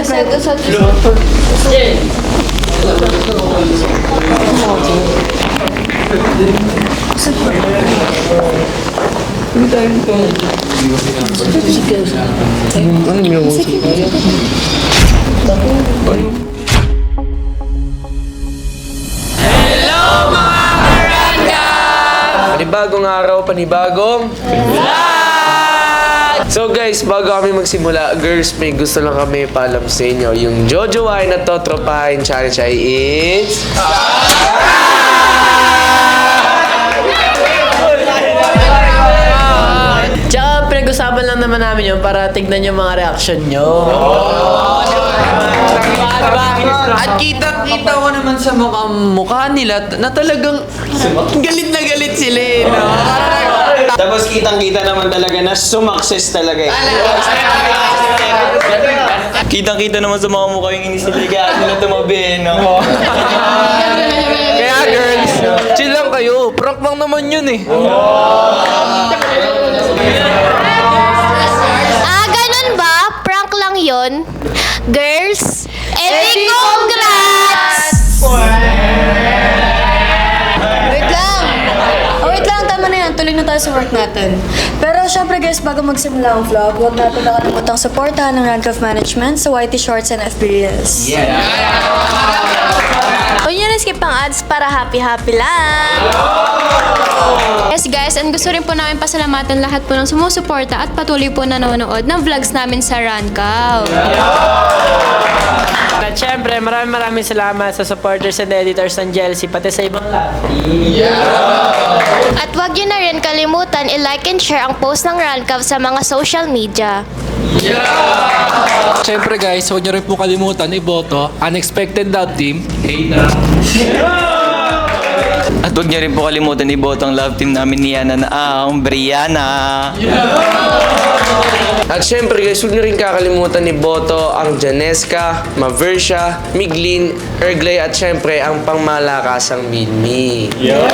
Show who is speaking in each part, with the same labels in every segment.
Speaker 1: Panibagong araw, panibagong vlog! So guys, bago kami magsimula, girls, may gusto lang kami paalam sa inyo. Yung Jojowain at Totropahin Challenge ay is...
Speaker 2: Tsaka pinag-usapan lang naman namin yun para tignan yung mga reaction nyo.
Speaker 3: At kita-kita ko naman sa mukha nila na talagang galit na galit sila eh, no?
Speaker 4: Tapos kitang-kita naman talaga na sumakses talaga eh.
Speaker 5: Kitang-kita naman sa mga mukha yung inisiligaan nila tumabi, no?
Speaker 3: Kaya girls, chill lang kayo. Prank lang naman yun eh.
Speaker 6: Ganun ba? Prank lang yon. Girls, edi congrats!
Speaker 7: Wait lang, tama na yan. Tuloy na tayo sa work natin. Pero syempre guys, bago magsimula ang vlog, huwag natin nakalimutang supportahan ng Rank of Management sa YT Shorts and FB Reels.
Speaker 6: Huwag nyo na-skip ang ads para happy-happy lang.
Speaker 8: Yes guys, and gusto rin po namin pasalamatan lahat po ng sumusuporta at patuloy po nanonood ng vlogs namin sa Rancav.
Speaker 2: At syempre, maraming salamat sa supporters and editors ng Jelsi, pati sa ibang lahat.
Speaker 6: At huwag nyo na rin kalimutan i-like and share ang post ng Rancav sa mga social media.
Speaker 9: Siyempre guys, huwag niyo rin po kalimutan iboto Unexpected Love Team. Hey na!
Speaker 5: At huwag niyo rin po kalimutan iboto ang love team namin ni Yana na ang Brianna.
Speaker 1: At syempre guys, huwag nyo rin kakalimutan iboto ang Janesca, Maversia, Miglin, Erglay at syempre ang pangmalakasang Minmi.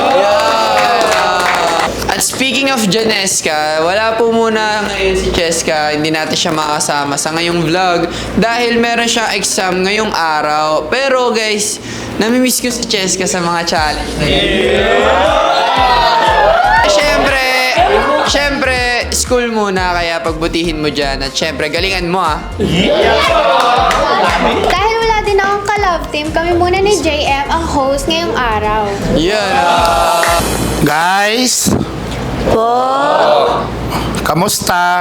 Speaker 3: At speaking of Janesca, wala po muna ngayon si Cheska, hindi natin siya makasama sa ngayong vlog dahil meron siyang exam ngayong araw. Pero guys, namimiss ko si Cheska sa mga challenge na yun. Siyempre, school muna kaya pagbutihin mo dyan at siyempre, galingan mo ah.
Speaker 8: Dahil wala din akong ka-love team, kami muna ni JM ang host ngayong araw.
Speaker 3: Yan
Speaker 10: Guys! Kamusta?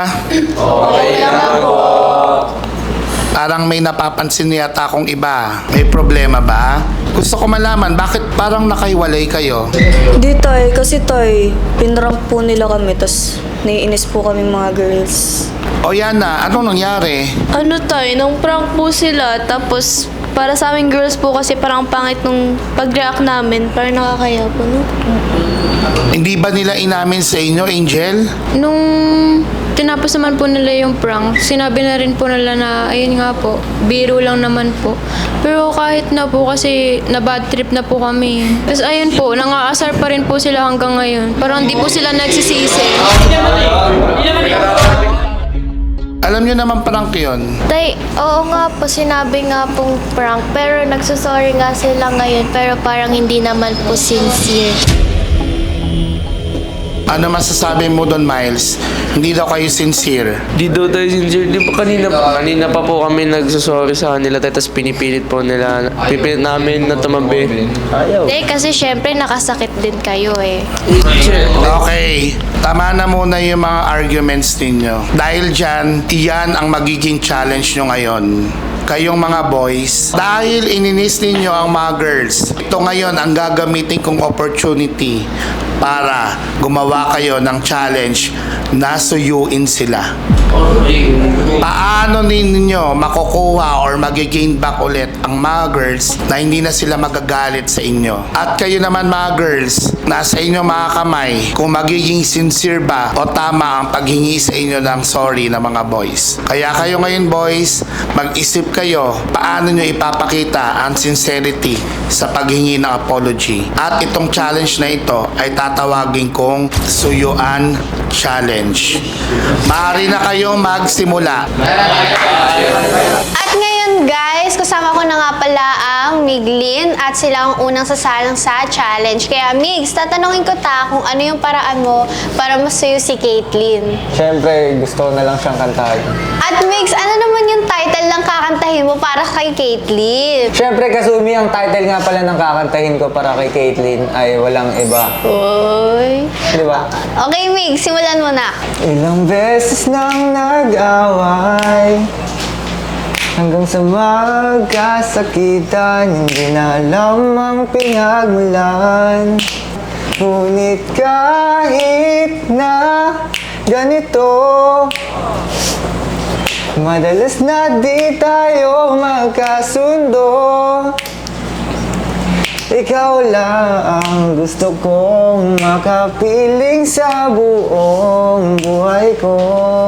Speaker 10: Parang may napapansin yata akong iba. May problema ba? Gusto ko malaman, bakit parang nakaiwalay kayo?
Speaker 7: Di tay, kasi tay, pinrank po nila kami, tas naiinis po kaming mga girls.
Speaker 10: O yan na, anong nangyari?
Speaker 8: Ano tayo, nung prank po sila, tapos para sa aming girls po kasi parang pangit nung pag-react namin, parang nakakaya po, no?
Speaker 10: Hindi ba nila inamin sa inyo, Angel?
Speaker 8: Nung tinapos naman po nila yung prank, sinabi na rin po nila na, ayun nga po, biro lang naman po. Pero kahit na po kasi na bad trip na po kami. Tapos ayun po, nangaasar pa rin po sila hanggang ngayon. Parang di po sila nagsisisi.
Speaker 10: Alam nyo naman prank yun.
Speaker 6: Tay, oo nga po, sinabi nga pong prank, pero nagsusorry nga sila ngayon, pero parang hindi naman po sincere.
Speaker 10: Ano masasabi mo doon, Miles? Hindi daw kayo sincere.
Speaker 1: Di daw tayo sincere. Di ba kanina pa po kami nagsusorry sa kanila tapos pinipilit po nila. Pipilit namin na tumabi. Ayaw.
Speaker 6: Tay, kasi syempre nakasakit din kayo eh.
Speaker 10: Okay, tama na muna yung mga arguments ninyo. Dahil dyan, iyan ang magiging challenge nyo ngayon. Kayong mga boys, dahil ininis ninyo ang mga girls, ito ngayon ang gagamitin kong opportunity para gumawa kayo ng challenge na suyuin sila. Paano ninyo makukuha or mag-gain back ulit ang mga girls na hindi na sila magagalit sa inyo? At kayo naman mga girls, nasa inyo mga kamay kung magiging sincere ba o tama ang paghingi sa inyo ng sorry ng mga boys. Kaya kayo ngayon boys, mag-isip kayo paano nyo ipapakita ang sincerity sa paghingi ng apology. At itong challenge na ito ay tatawagin kong Suyuan Challenge. Maaari na kayo magsimula.
Speaker 6: At ngayon
Speaker 11: ayun guys, kasama ko na nga pala ang Miglin at sila ang unang sasalang sa challenge. Kaya Migs, tatanungin ko kung ano yung paraan mo para masuyo si Caitlyn.
Speaker 4: Siyempre, gusto ko na lang siyang kantahin.
Speaker 11: At Migs, ano naman yung title ng kakantahin mo para kay Caitlyn?
Speaker 4: Siyempre, Kasumi, ang title nga pala ng kakantahin ko para kay Caitlyn ay Walang Iba.
Speaker 11: Oy.
Speaker 4: Di ba?
Speaker 11: Okay Migs, simulan mo na.
Speaker 4: Ilang beses nang nag-away hanggang sa magkasakitan, hindi na alam ang pinagmulan. Ngunit kahit na ganito, madalas na di tayo magkasundo. Ikaw lang ang gusto kong makapiling sa buong buhay ko.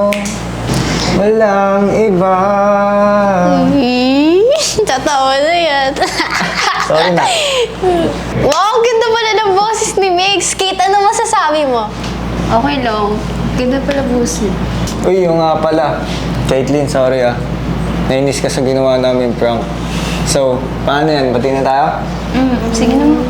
Speaker 4: Walang iba.
Speaker 11: Tatawa na yan.
Speaker 4: Sorry na.
Speaker 11: Wow, ganda pala ng boses ni Migs. Kate, ano masasabi mo?
Speaker 8: Okay lang. Ganda pala busin.
Speaker 4: Uy, yung nga pala. Caitlyn, sorry ah. Nainis ka sa ginawa namin prank. So, paano yan? Bati na tayo?
Speaker 8: Sige naman.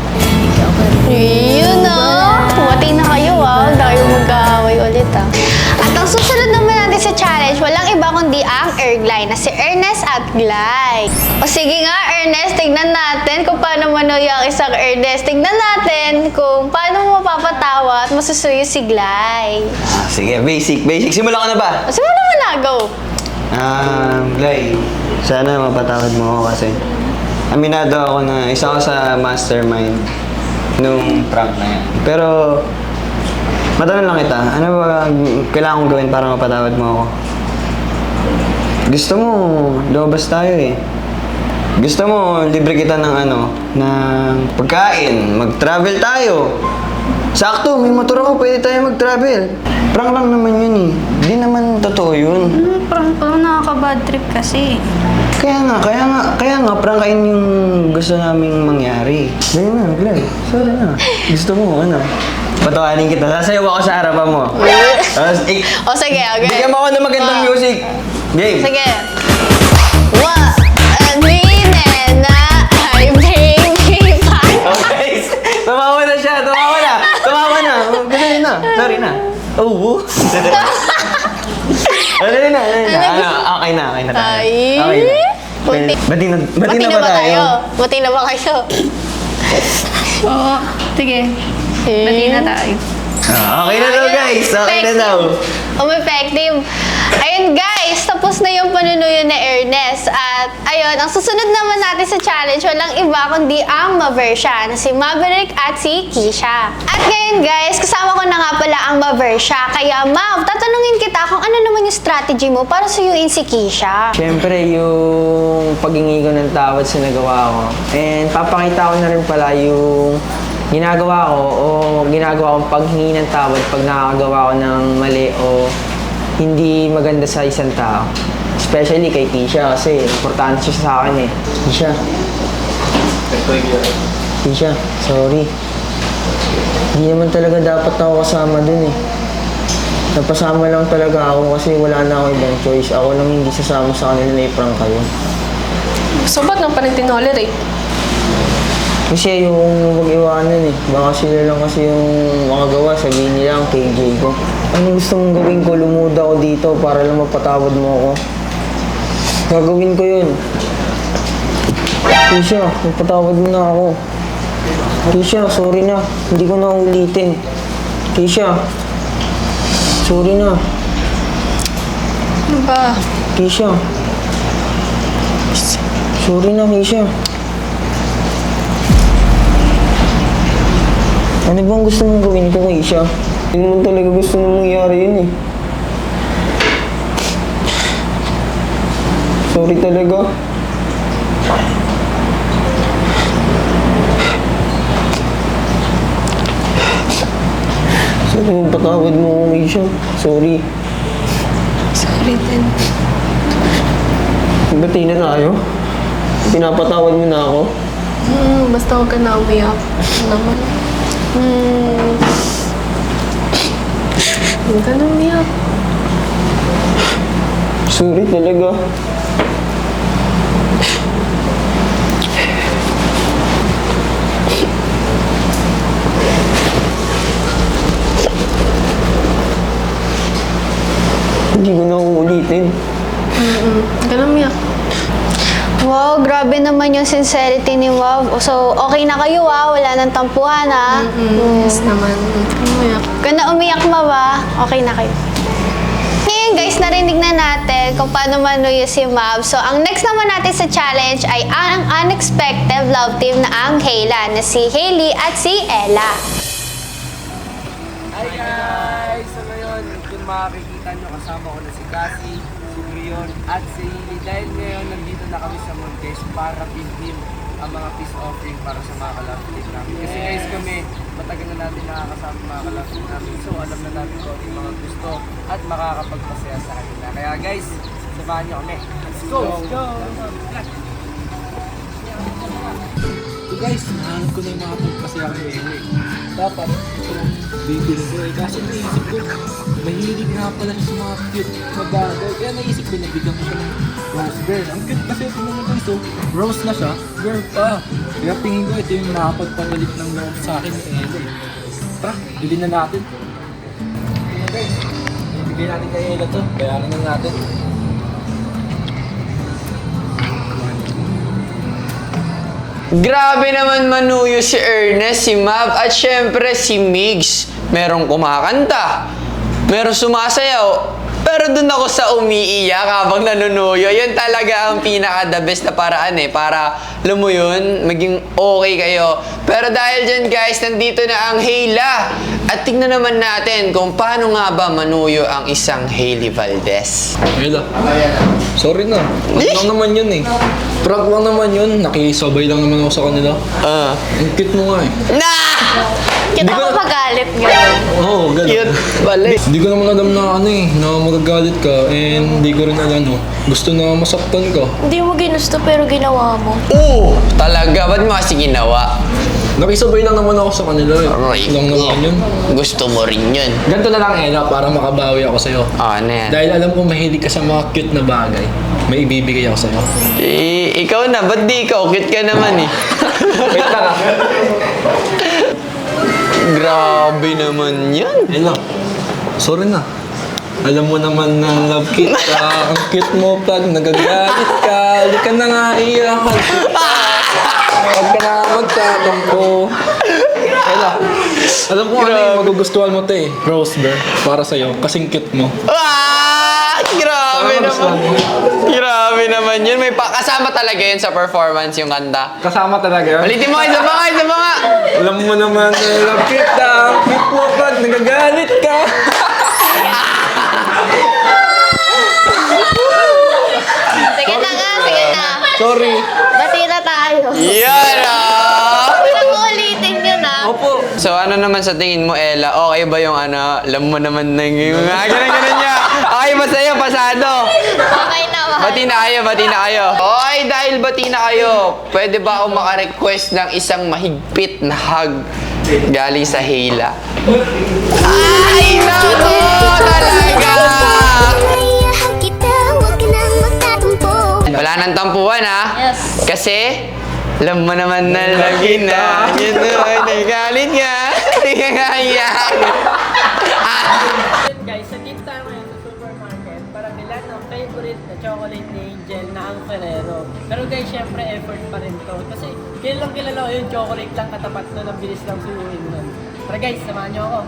Speaker 11: Yun na. Pumati na kayo Huwag tayo mag-aaway ulit At ang susunod naman natin sa challenge, walang iba kundi ang Erglay na si Ernest at Glay. O sige nga Ernest, tignan natin kung paano manuyo ang isang Ernest. Tignan natin kung paano mo mapapatawa at masusuyo si Glay.
Speaker 3: Sige, basic. Simulan ka na ba?
Speaker 11: O sige naman na, go.
Speaker 4: Glay, sana mapatawad mo ako kasi aminado ako na isa ako sa mastermind nung prank na yan. Pero, matanong lang kita, ano ba kailangan kong gawin para mapatawad mo ako? Gusto mo, lumabas tayo eh. Gusto mo, libre kita ng ng pagkain, mag-travel tayo. Sakto, may motor ako, pwede tayo mag-travel. Prank lang naman yun eh. Di naman totoo yun.
Speaker 8: Parang nakaka-bad trip kasi.
Speaker 4: Kaya nga, prangkain yung gusto naming mangyari. Ganyan na, Glenn. Sorry na. Gusto mo, patawanin kita. Sasayaw ako sa harapan mo. Tapos,
Speaker 11: O sige, okay.
Speaker 4: bigyan mo ako ng magandang music. Game.
Speaker 11: Sige.
Speaker 4: Okay. Tumawa na siya. Tumawa na. Ganyan na. Sorry na. Oh. Okay na. Okay na tayo. Okay na. Bati na ba tayo?
Speaker 11: Bati na ba kayo?
Speaker 8: Oo. Sige. Bati na tayo.
Speaker 4: Okay na daw guys. Okay na daw.
Speaker 11: Effective. Ayun guys, tapos na yung panunuyo ni Ernest. At ayun, ang susunod naman natin sa challenge, walang iba kundi ang Maversha na si Maverick at si Kisha. At ngayon guys, kasama ko na nga pala ang Maversha. Kaya Mav, tatanungin kita kung ano naman yung strategy mo para suyuin si Kisha.
Speaker 1: Siyempre, yung paghingi ko ng tawad sa nagawa ko. And papakita ko na rin pala yung ginagawa ko o ginagawa kong paghingi ng tawad pag nakakagawa ko ng mali o hindi maganda sa isang tao. Especially kay Kisha kasi importante siya sa akin eh. Kisha, sorry. Hindi naman talaga dapat ako kasama dun eh. Napasama lang talaga ako kasi wala na ako ibang choice. Ako lang hindi sasama sa kanila na i-prank kayo.
Speaker 7: So, ba't nang panag-tolerate?
Speaker 1: Kasi yung mag-iwanan eh. Baka sila lang kasi yung makagawa, sabihin nila ang KJ ko. Ano gusto mong gawin ko? Lumuda ako dito para lang mapatawad mo ako. Gagawin ko yun. Kisha, mapatawad mo na ako. Kisha, sorry na. Hindi ko na ulitin. Kisha, sorry na.
Speaker 8: Ano ba?
Speaker 1: Kisha. Sorry na, Kisha. Ano bang gusto mong gawin ko, Kisha? Hindi naman talaga gusto mong mangyari yun eh. Sorry talaga. Sorry, patawad mo ako, Kisha. Sorry.
Speaker 8: Sorry din.
Speaker 1: Bati na tayo? Pinapatawad mo na ako?
Speaker 8: Basta huwag ka na umiyak. Naman. Huwag ka na umiyak.
Speaker 1: Sorry talaga.
Speaker 4: natin.
Speaker 7: Ganun umiyak.
Speaker 11: Wow, grabe naman yung sincerity ni Wow. So, okay na kayo wala nang tampuhan
Speaker 7: Yes naman. Umiyak.
Speaker 11: Kung na umiyak ba, okay na kayo. Ngayon guys, narinig na natin kung paano manuyo si Mab. So, ang next naman natin sa challenge ay ang unexpected love team na ang Hayla, na si Hailey at si Ella.
Speaker 12: Hi guys! So ngayon, kung makikita nyo, kasama ko na si Cassie, si Brion, at si Hailey. Dahil ngayon, nandito na kami sa Montes para bilhin ang mga peace offering para sa mga kalapit namin. Kasi guys kami, matagal na natin nakakasama mga kalapit namin. So alam na natin kung ano yung mga gusto at makakapagpasaya sa kanila. Kaya guys, samahan nyo kami. Let's go! Let's go!
Speaker 9: So guys, nahanap ko na yung mga pagpasaya ko ni dapat itong bibili ko kasi naisip ko, mahilig nga pala siya sa mga cute na bagay. Kaya naisip ko, nabigyan ko siya ng rose girl. Ang cute kasi ito naman guys, so rose na siya, girl pa. Kaya tingin ko ito yung makapagpapalit ng loob sa akin ni Ella. Tara, bilhin na natin. Ito guys, ibigay natin kay Ella to, bayaran na natin.
Speaker 3: Grabe naman manuyo si Ernest, si Mab, at syempre si Migs. Merong kumakanta, merong sumasayaw, pero dun ako sa umiiyak habang nanunuyo. Yun talaga ang pinaka-the best na paraan para alam mo yun, maging okay kayo. Pero dahil dyan guys, nandito na ang Hayla. At tignan naman natin kung paano nga ba manuyo ang isang Hailey Valdez.
Speaker 9: Ella, sorry na. Prank lang naman yun Prank lang naman yun. Nakisabay lang naman ako sa kanila. Ang cute mo nga
Speaker 11: Kita ko magalit gano'n.
Speaker 9: Oo, gano'n.
Speaker 3: Cute pala.
Speaker 9: Hindi ko naman alam na na magagalit ka and hindi ko rin alam gusto na masaktan ka.
Speaker 6: Hindi mo ginusto pero ginawa mo.
Speaker 3: Oo, talaga. Ba't mo kasi ginawa?
Speaker 9: Nakisabay lang naman ako sa kanila
Speaker 3: Right.
Speaker 9: Lang naman yun.
Speaker 3: Gusto mo rin yun.
Speaker 9: Ganito na lang Ella para makabawi ako sa'yo.
Speaker 3: Ano yan?
Speaker 9: Dahil alam ko mahilig ka sa mga cute na bagay, may ibibigay ako sa'yo.
Speaker 3: Ikaw na, ba't di ikaw? Cute ka naman
Speaker 9: Wait lang
Speaker 3: Grabe naman yan.
Speaker 9: Ella, sorry na. Alam mo naman na love kita. Ang cute mo pag nagagalit ka. Hindi ka na nga iyakan kita. Huwag ka na magtatampo. Ella, alam ko ano yung magugustuhan mo Rose bear, para sa'yo. Kasing cute mo.
Speaker 3: Grabe naman. Grabe naman yun. May kasama talaga yun sa performance yung kanta.
Speaker 9: Kasama talaga.
Speaker 3: Ulitin mo, isa pa nga.
Speaker 9: Alam mo naman na love kita. Ang cute mo pag nagagalit ka.
Speaker 11: Sige na nga, sige na.
Speaker 9: Sorry.
Speaker 11: Bati na tayo.
Speaker 3: Yan
Speaker 11: Huwag mo ulitin yun
Speaker 9: Opo.
Speaker 3: So ano naman sa tingin mo, Ella? Okay ba yung alam mo naman na yung ganun niya? Okay ba sa'yo? Pasado?
Speaker 11: Okay naman.
Speaker 3: Bati na kayo. Okay, dahil bati na kayo, pwede ba ako maka-request ng isang mahigpit na hug galing sa Hayla? Ay, naku! Talaga! Wala nang tampuhan
Speaker 11: Yes.
Speaker 3: Kasi, alam mo naman na lagi na. Yun ay nagalit nga. Hindi ka kaya.
Speaker 2: Guys, sa dito tayo ngayon sa supermarket para bilan ng favorite na chocolate ni Angel na ang Ferrero. Pero guys, syempre effort pa rin to. Kasi kilalang kilala ko yung chocolate lang katapat nun, ang bilis lang suyuin nun. Tara guys, samahan nyo ako.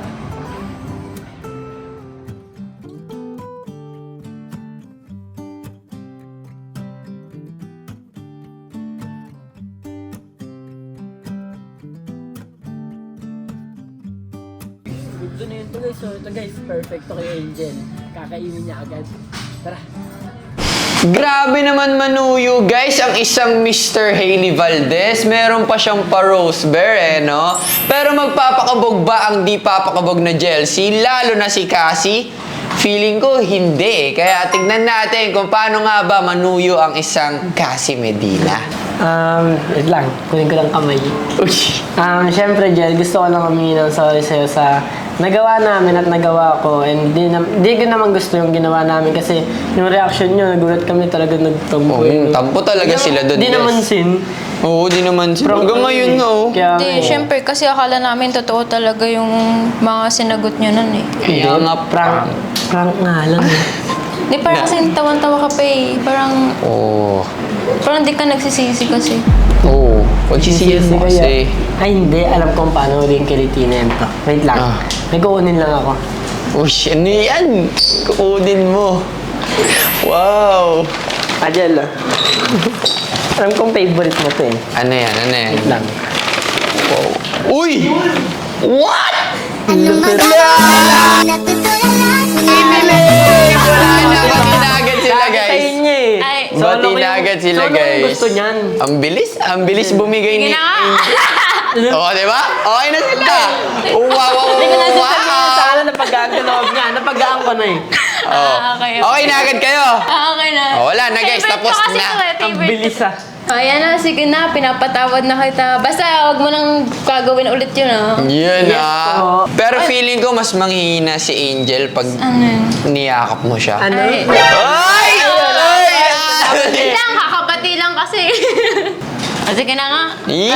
Speaker 2: Gusto na yun to guys. So ito guys, perfecto kay Angel. Kakainin niya agad. Tara.
Speaker 3: Grabe naman manuyo guys ang isang Mr. Hailey Valdez. Meron pa siyang pa-rose bear no? Pero magpapakabog ba ang di papakabog na Jelsie? Lalo na si Cassie? Feeling ko hindi. Kaya tignan natin kung paano nga ba manuyo ang isang Cassie Medina.
Speaker 2: Wait lang. Kunin ko lang kamay. Siyempre, Jel, gusto ko lang humingi ng sorry sa'yo sa nagawa namin at nagawa ko. And di ko naman gusto yung ginawa namin kasi yung reaction nyo, nagulat kami talaga nagtampo.
Speaker 3: Tampo talaga sila doon.
Speaker 2: Di naman sin.
Speaker 3: Oo, di naman sin. Hanggang ngayon nga
Speaker 8: Hindi, syempre kasi akala namin totoo talaga yung mga sinagot nyo nun
Speaker 3: Kaya nga
Speaker 2: Prank nga lang
Speaker 8: Di parang kasi tawan-tawa ka pa eh. Parang di ka nagsisisi kasi.
Speaker 3: Oo. Pagsisiyan mo kasi.
Speaker 2: Ay, hindi. Alam kong paano rin kilitinin to. Wait lang. May kukunin lang ako.
Speaker 3: Ush, ano yan? Kukunin mo. Wow!
Speaker 2: Ajel, alam kong favorite mo to eh.
Speaker 3: Ano yan?
Speaker 2: Wait lang.
Speaker 3: Wow. Uy! What?
Speaker 2: Lupit.
Speaker 3: Bati na agad sila,
Speaker 2: Sa
Speaker 3: guys.
Speaker 2: inyo eh.
Speaker 8: Ay,
Speaker 3: Bati na agad sila,
Speaker 2: solo ko yung
Speaker 3: guys.
Speaker 2: gusto niyan.
Speaker 3: Ang bilis bumigay ni...
Speaker 8: Sige na nga.
Speaker 3: Oo, di ba? Okay na sila. Wow!
Speaker 2: Hindi ko na sasabihin sana napagaan ko loob niya. Napagaan ko na eh.
Speaker 3: Okay na agad kayo.
Speaker 8: Okay na.
Speaker 3: Wala na, guys.
Speaker 8: Favorite
Speaker 3: Tapos
Speaker 8: ko kasi
Speaker 3: na.
Speaker 8: to eh,
Speaker 2: Ang
Speaker 8: favorite.
Speaker 2: bilis ah.
Speaker 8: Ayan na, sige na, pinapatawad na kita. Basta wag mo nang gagawin ulit yun ah.
Speaker 3: Yun
Speaker 2: po.
Speaker 3: Pero feeling ko mas manghihina si Angel pag
Speaker 8: Ano yun?
Speaker 3: niyakap mo siya.
Speaker 2: Ano?
Speaker 8: Ay.
Speaker 3: Ay!
Speaker 8: Wait lang, kakabati lang kasi. O sige na nga.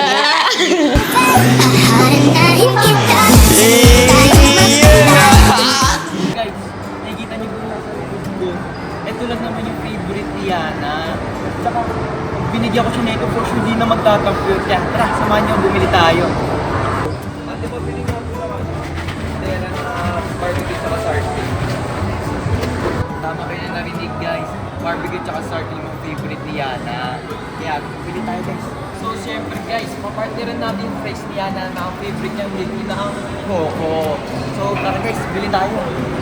Speaker 12: Guys, nakikita niyo po nasa likod ko. Ito lang naman yung favorite ni Yana. Tsaka, pag binigyan ko siya nito, for sure, hindi na magtatampo yun. Kaya, tara, samahan niyo, bumili tayo. Ate, pabili nga po naman. Kaya lang, barbecue tsaka sardine. Tama kayo na narinig, guys. Barbecue tsaka sardine yung favorite ni Yana. Kaya, bumili tayo, guys. So, syempre, guys, papartneran natin yung fries ni Yana na ang favorite niya, hindi na ang Coco. So, tara, guys, bili tayo.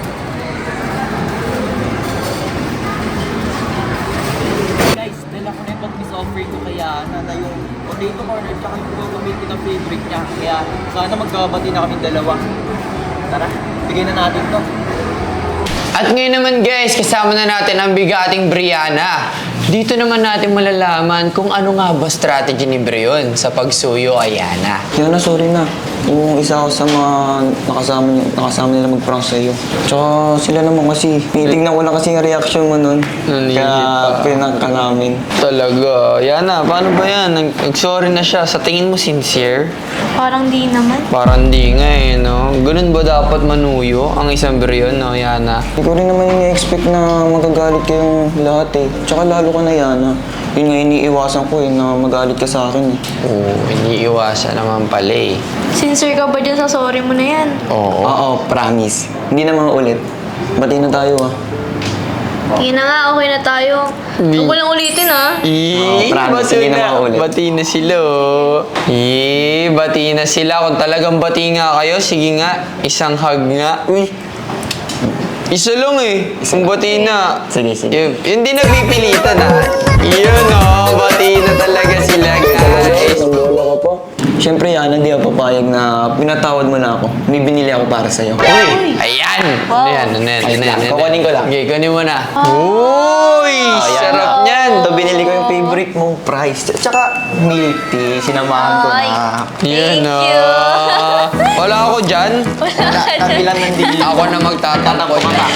Speaker 12: Guys, dala ko na yung pag-miss offering ko kaya na yung potato corner tsaka yung gagamitin ng favorite niya. Kaya sana magkabati na kami dalawa. Tara, bigay na natin to.
Speaker 3: At ngayon naman guys, kasama na natin ang bigating Brianna. Dito naman natin malalaman kung ano nga ba strategy ni Brion sa pagsuyo kay Yana.
Speaker 4: Yana, sorry na. Yung isa ako sa mga nakasama nila mag-prank sa'yo. Tsaka sila naman kasi, tinitignan ko lang kasi yung reaction mo nun.
Speaker 3: Nanihip
Speaker 4: Kaya pinag ka namin.
Speaker 3: Talaga. Yana, paano ba yan? Nag-sorry na siya. Sa tingin mo sincere?
Speaker 6: Parang di naman.
Speaker 3: Parang di nga eh, no? Ganun ba dapat manuyo ang isang Brion, no, Yana?
Speaker 4: Hindi ko rin naman ini-expect na magagalit kayong lahat eh. Tsaka lalo ka na Yana. Yun nga iniiwasan ko eh, na magalit ka sa akin eh.
Speaker 3: Oo, iniiwasan naman pala eh.
Speaker 6: Sincere ka ba dyan sa sorry mo na yan?
Speaker 3: Oo.
Speaker 4: Oo, promise. Hindi naman ulit. Bati na tayo ah.
Speaker 6: Sige na nga, okay na tayo. Huwag mo lang ulitin ah.
Speaker 4: promise, hindi na maulit.
Speaker 3: Bati na sila, oh. Bati na sila. Kung talagang bati nga kayo, sige nga, isang hug nga. Uy, isa lang eh. Kung bati na.
Speaker 4: Sige, sige.
Speaker 3: Hindi nagpipilitan ah. Yun oh, bati na talaga sila guys.
Speaker 4: Ang lola ko po. Siyempre Yana, di ako papayag na pinatawad mo na ako. May binili ako para sa'yo.
Speaker 3: Uy, ayan. Ano yan?
Speaker 4: Kukunin ko lang.
Speaker 3: Okay, kunin mo na. Uy, sarap niyan.
Speaker 4: Ito, binili ko yung favorite mong price. Tsaka milk tea, sinamahan ko na.
Speaker 3: Yan
Speaker 6: Thank you.
Speaker 3: Wala ako dyan.
Speaker 4: Kabilang ng dili.
Speaker 3: Ako na magtatakbo dyan.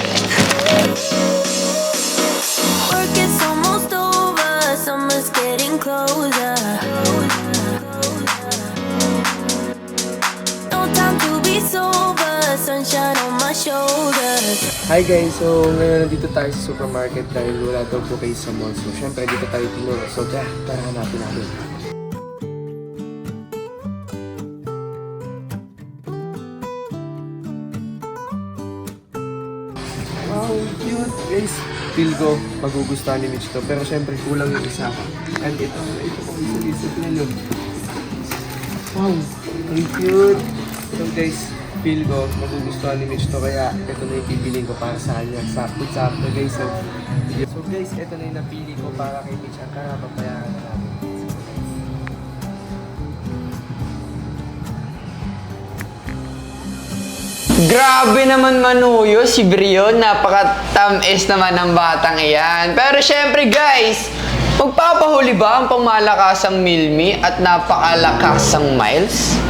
Speaker 13: Work is almost over, summer's getting closer. No time to be sober, sunshine on my shoulders.
Speaker 12: Hi guys, so ngayon nandito tayo sa supermarket dahil wala daw po kayo sa mall. So syempre dito tayo tinuro. So tara hanapin natin. Wow, cute guys. Feel ko magugustuhan ni Mitch to. Pero syempre kulang yung isa. And ito po isa na yun. Wow, ang cute. So guys, feel ko magugustuhan ni Mitch to. Kaya ito na yung pipiling ko para sa kanya. Sakto guys. So guys, ito na yung napili ko para kay Mitch. Ang tara, papayaran na natin.
Speaker 3: Grabe naman manuyo si Brion. Napaka-tamis naman ng batang iyan. Pero syempre guys, magpapahuli ba ang pangmalakasang Milmi at napakalakasang Miles?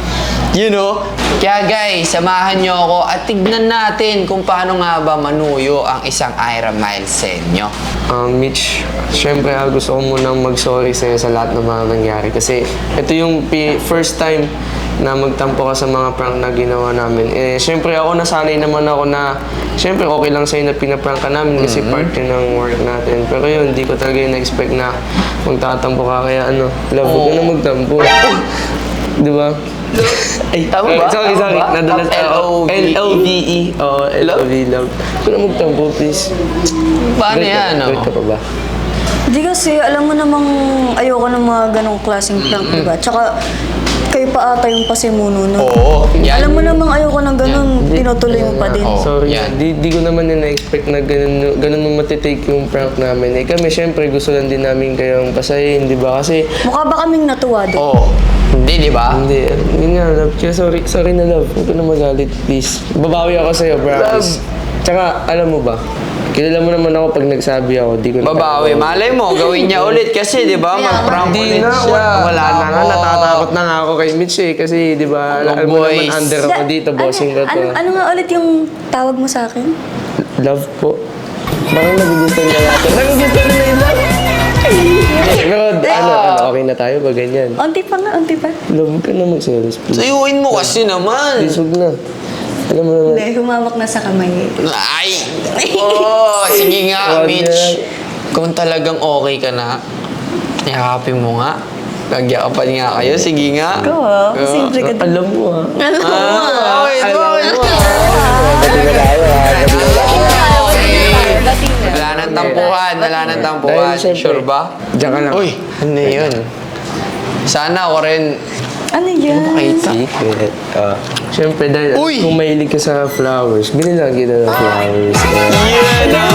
Speaker 3: You know? Kaya guys, samahan nyo ako at tignan natin kung paano nga ba manuyo ang isang Ira Miles sa inyo.
Speaker 12: Mitch, syempre gusto ko munang mag-sorry sa'yo sa lahat ng mga nangyari. Kasi ito yung first time na magtampo ka sa mga prank na ginawa namin. Syempre ako nasanay naman ako na syempre okay lang sa'yo na pinaprank ka namin kasi part yun ng work natin. Pero yun, hindi ko talaga yung na-expect na magtatampo ka. Kaya love, huwag ka na magtampo. Di ba? Ay, tama ba? Sorry. Nadalas ako. L-O-V-E. Oo, L-O-V, love. Huwag ka na magtampo, please.
Speaker 3: Paano yan,
Speaker 12: Wait ka pa ba?
Speaker 7: Hindi kasi, alam mo namang ayoko ng mga ganong klaseng prank, diba? Tsaka, kayo pa ata yung pasimuno nun.
Speaker 3: Oo. Yan.
Speaker 7: Alam mo namang ayoko ng ganon, tinutuloy mo pa din.
Speaker 12: Sorry,
Speaker 3: yan.
Speaker 12: di ko naman na-expect na ganun mo matitake yung prank namin. Kami, syempre, gusto lang din namin kayong pasayin, di ba? Kasi,
Speaker 7: Mukha ba kaming natuwa din?
Speaker 3: Oo. Hindi, di ba?
Speaker 12: hindi, yun nga, love. Kaya sorry na, love. Huwag ka na magalit, please. Babawi ako sa'yo, promise. Tsaka, alam mo ba, kilala mo naman ako pag nagsabi ako, di ko na
Speaker 3: Babawi. Malay mo, gawin niya ulit kasi, di ba? Mag-prank
Speaker 12: Hindi
Speaker 3: ulit
Speaker 12: na,
Speaker 3: siya.
Speaker 12: wala na nga, natatakot na nga ako kay Mitch kasi di ba, alam mo
Speaker 3: boys.
Speaker 12: naman under ako dito, bossing ko to.
Speaker 7: Ano nga ulit yung tawag mo sa akin?
Speaker 12: Love po. Bakit nagugustuhan niya natin? Nagugustuhan na yung love! Pero okay na tayo ba ganyan?
Speaker 7: Unti pa nga, unti pa.
Speaker 12: Love ka na magselos, please.
Speaker 3: Sayuin mo kasi naman.
Speaker 12: Please, huwag na. Alam mo naman.
Speaker 7: Hindi, humawak na sa kamay.
Speaker 3: Ay! Oh, sige nga,
Speaker 12: Wag
Speaker 3: Mitch.
Speaker 12: yan.
Speaker 3: Kung talagang okay ka na, yakapin mo nga. Nagyakapan nga kayo. Sige nga.
Speaker 7: Ikaw simple ka din.
Speaker 12: Alam mo ha.
Speaker 3: Okay,
Speaker 12: Alam mo
Speaker 3: Wala nang tampuhan. Wala nang tampuhan.
Speaker 12: Dahil syempre-
Speaker 3: Sure ba?
Speaker 12: Diyan ka lang.
Speaker 3: Uy, ano yun? Sana ako rin.
Speaker 7: Ano yan?
Speaker 12: Secret. Siyempre, dahil
Speaker 3: Uy!
Speaker 12: kung mahilig ka sa flowers, binilang kita ng flowers.
Speaker 3: Yan o!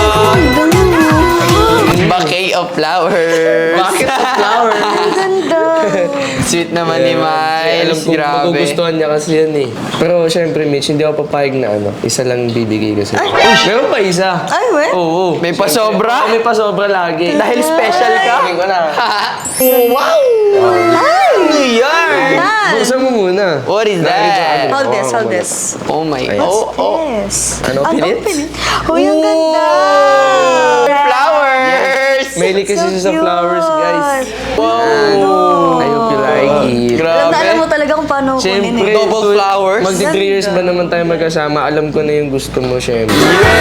Speaker 3: Bouquet of flowers.
Speaker 12: Bakit sa flowers?
Speaker 7: Ganda.
Speaker 3: Sweet naman ni
Speaker 12: Alam
Speaker 3: Miles.
Speaker 12: ko,
Speaker 3: Grabe.
Speaker 12: magugustuhan niya kasi yan eh. Pero syempre, Mitch, hindi ako papayag na isa lang bibigay ko sa'yo. Meron pa isa.
Speaker 7: Ay, we?
Speaker 12: Oo.
Speaker 3: May pasobra?
Speaker 12: May pasobra lagi.
Speaker 3: Dahil special ka?
Speaker 12: Sabi ko na.
Speaker 3: Wow! Ano yan?
Speaker 12: Buksan mo muna.
Speaker 3: What is that?
Speaker 7: Hold this, hold this.
Speaker 3: Oh my.
Speaker 7: What's
Speaker 3: Oh.
Speaker 7: this?
Speaker 12: Ano, pilit?
Speaker 7: Uy, ang ganda!
Speaker 3: Flowers!
Speaker 12: Mahilig kasi siya sa
Speaker 7: cute.
Speaker 12: flowers, guys.
Speaker 3: Wow!
Speaker 12: I hope you like it.
Speaker 7: Alam na alam mo
Speaker 3: Grabe.
Speaker 7: talaga kung paano kunin
Speaker 12: Siyempre,
Speaker 7: eh.
Speaker 3: Double flowers?
Speaker 12: Magdi 3 years ba naman tayo magkasama? Alam ko na yung gusto mo, siyempre.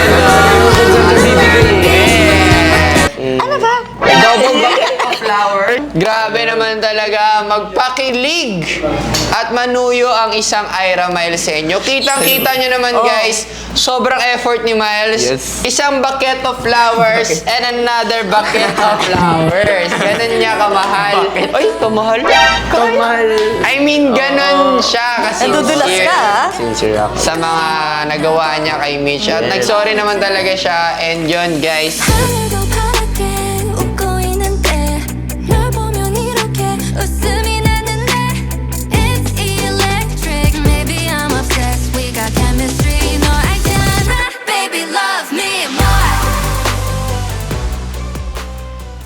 Speaker 7: Ano ba?
Speaker 3: Double bucket of flower. Grabe naman talaga magpakilig at manuyo ang isang Ira Miles sa inyo. Kitang-kita nyo naman guys, sobrang effort ni Miles.
Speaker 12: Yes.
Speaker 3: Isang bucket of flowers and another bucket of flowers. Ganun niya kamahal. Ay, kamahal?
Speaker 12: Kamahal.
Speaker 3: I mean, ganun siya kasi
Speaker 7: Nadudulas ka, ah.
Speaker 12: Sincere ako.
Speaker 3: sa mga nagawa niya kay Mitch. At nagsorry naman talaga siya. And yun guys,